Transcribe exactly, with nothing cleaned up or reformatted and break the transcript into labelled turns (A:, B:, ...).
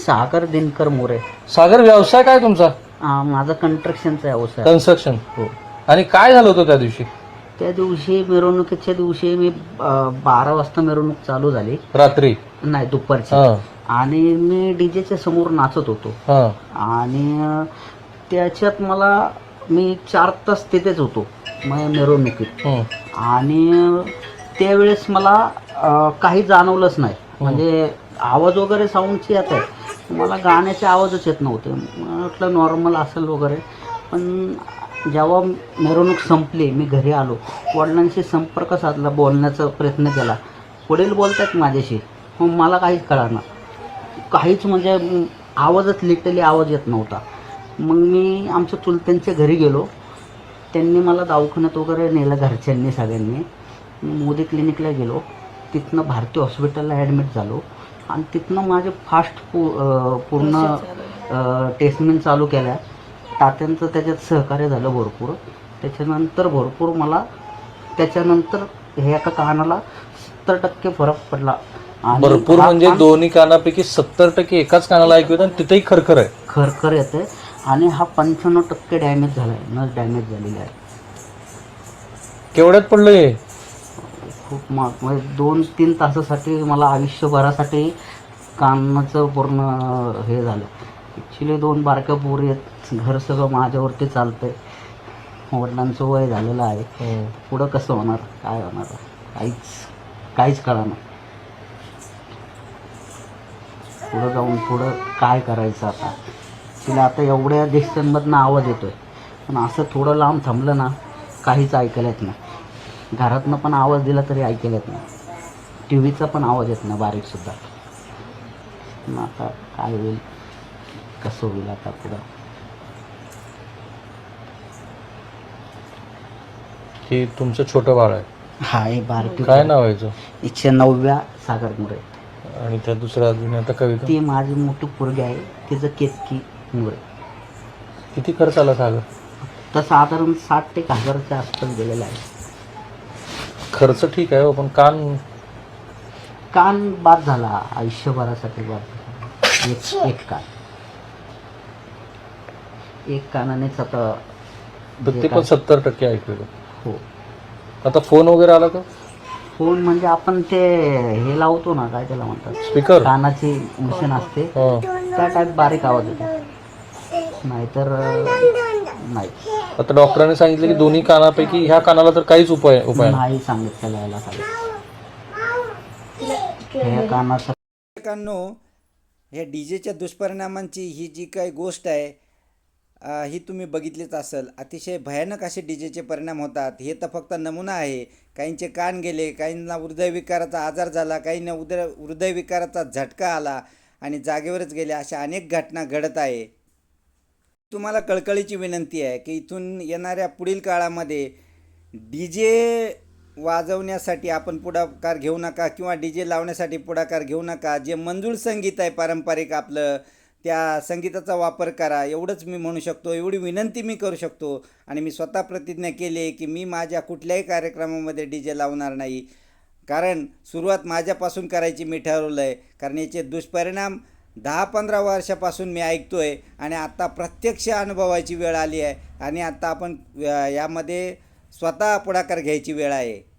A: सागर दिनकर मोरे.
B: सागर, व्यवसाय काय तुमचा?
A: आ, माझा कंस्ट्रक्शनचा व्यवसाय.
B: कन्स्ट्रक्शन.
A: हो.
B: आणि काय झालं होतं त्या दिवशी?
A: त्या दिवशी मिरवणुकीच्या दिवशी मी अ, बारा वाजता मिरवणूक चालू झाली.
B: रात्री?
A: नाही, दुपारची.
B: हां.
A: आणि मी डीजेच्या समोर नाचत होतो.
B: हां.
A: आणि अ, त्याच्यात मला मी चार तास तिथेच होतो मग मिरवणुकीत.
B: हं. आणि
A: आणि त्यावेळेस मला अ, काही जाणवलंच नाही. म्हणजे आवाज वगैरे साऊंडची येत आहे, मला गाण्याचे आवाजच येत नव्हते. मला वाटलं नॉर्मल असेल वगैरे. पण जेव्हा मिरवणूक संपली, मी घरी आलो, वडिलांशी संपर्क साधला, बोलण्याचा प्रयत्न केला. वडील बोलतात माझ्याशी, मग मला काहीच कळेना, काहीच म्हणजे म, आवाजच लिटरली आवाज येत नव्हता. मग मी आमच्या चुलत्यांच्या घरी गेलो. त्यांनी मला दवाखान्यात वगैरे नेलं, घरच्यांनी सगळ्यांनी. मोदी क्लिनिकला गेलो, तिथनं भारती हॉस्पिटलला ॲडमिट झालो. आणि तिथनं माझे फास्ट पू अ, पूर्ण ट्रीटमेंट चालू केल्या. तात्यांचं त्याच्यात सहकार्य झालं भरपूर. त्याच्यानंतर भरपूर मला त्याच्यानंतर हे एका कानाला सत्तर टक्के फरक पडला. आणि
B: भरपूर
A: हा
B: म्हणजे
A: कान
B: दोन्ही कानापैकी सत्तर टक्के एकाच कानाला ऐकू येतं आणि तिथेही खरखर आहे.
A: खरखर येते. आणि हा पंच्याण्णव टक्के डॅमेज झाला आहे, नस डॅमेज झालेली आहे.
B: केवढ्यात पडलं हे?
A: खूप महाग, म्हणजे दोन तीन तासासाठी मला आयुष्यभरासाठी कानाचं पूर्ण हे झालं. ॲक्च्युली दोन बारक्या पोरी आहेत, घर सगळं माझ्यावरती चालतं आहे. वडिलांचं वय झालेलं आहे.
B: हं.
A: पुढं कसं होणार, काय होणार, काहीच काहीच कळेना. पुढं जाऊन पुढं काय करायचं आता. तिला आता एवढ्या डिस्टन्समधनं आवाज येतो आहे, पण असं थोडं लांब थांबलं ना, काहीच ऐकायला येत नाही. घरातनं पण आवाज दिला तरी ऐकायला येत नाही. टी व्हीचा पण आवाज येत नाही, बारीकसुद्धा. मग आता काय होईल, कसं होईल आता पुढं.
B: हे तुमचं छोटं बाळ आहे?
A: हा, हे बारकी.
B: काय नाव आहे याचं?
A: एकशे नवव्या सागर मोरे.
B: आणि त्या दुसऱ्या अजून आता कविता?
A: ती माझी मोठी पोरगी आहे, तिचं केतकी मोरे.
B: किती खर्च आला सागर?
A: तर साधारण साठ ते एक हजाराच्या आसपास गेलेला आहे.
B: खर्च ठीक आहे हो, पण कान
A: कान बाद झाला, आयुष्यभरासाठी बाद झाला. एक एक कान, एक कानानेच आता.
B: ते पण सत्तर टक्के ऐकू येतं.
A: हो.
B: आता फोन वगैरे आला का?
A: फोन म्हणजे आपण ते हे लावतो ना, काय त्याला म्हणतात,
B: स्पीकर?
A: कानाची मशीन असते,
B: हां.
A: त्या टाईप बारीक आवाज येतो. नाहीतर नाही.
B: आता डॉक्टरांनी सांगितलं की दोन्ही कानापैकी ह्या कानाला तर काहीच उपाय उपाय नाही.
A: नाही सांगितलं यायला सांगितलं. ह्या कानाचा
C: मित्रांनो, ह्या डी जेच्या दुष्परिणामांची ही जी काही गोष्ट आहे अ, ही तुम्ही बघितलीच असेल. अतिशय भयानक असे डी जेचे परिणाम होतात. हे तर फक्त नमुना आहे. काहींचे कान गेले, काहींना हृदयविकाराचा आजार झाला, काहींना उदर हृदयविकाराचा झटका आला आणि जागेवरच गेले. अशा अनेक घटना घडत आहे. तुम्हाला कळकळीची विनंती आहे की इथून येणाऱ्या पुढील काळामध्ये डी जे वाजवण्यासाठी आपण पुढाकार घेऊ नका किंवा डी जे लावण्यासाठी पुढाकार घेऊ नका. जे मंजूळ संगीत आहे पारंपरिक आपलं, त्या संगीताचा वापर करा, एवढंच मी म्हणू शकतो. एवढी विनंती मी करू शकतो. आणि मी स्वतः प्रतिज्ञा केली आहे की मी माझ्या कुठल्याही कार्यक्रमामध्ये डी जे लावणार नाही. कारण सुरुवात माझ्यापासून करायची मी ठरवलं आहे. कारण याचे दुष्परिणाम दहा पंधरा वर्षापासून मी ऐकतो आहे आणि आत्ता प्रत्यक्ष अनुभवायची वेळ आली आहे. आणि आत्ता आपण यामध्ये स्वतः पुढाकार घ्यायची वेळ आहे.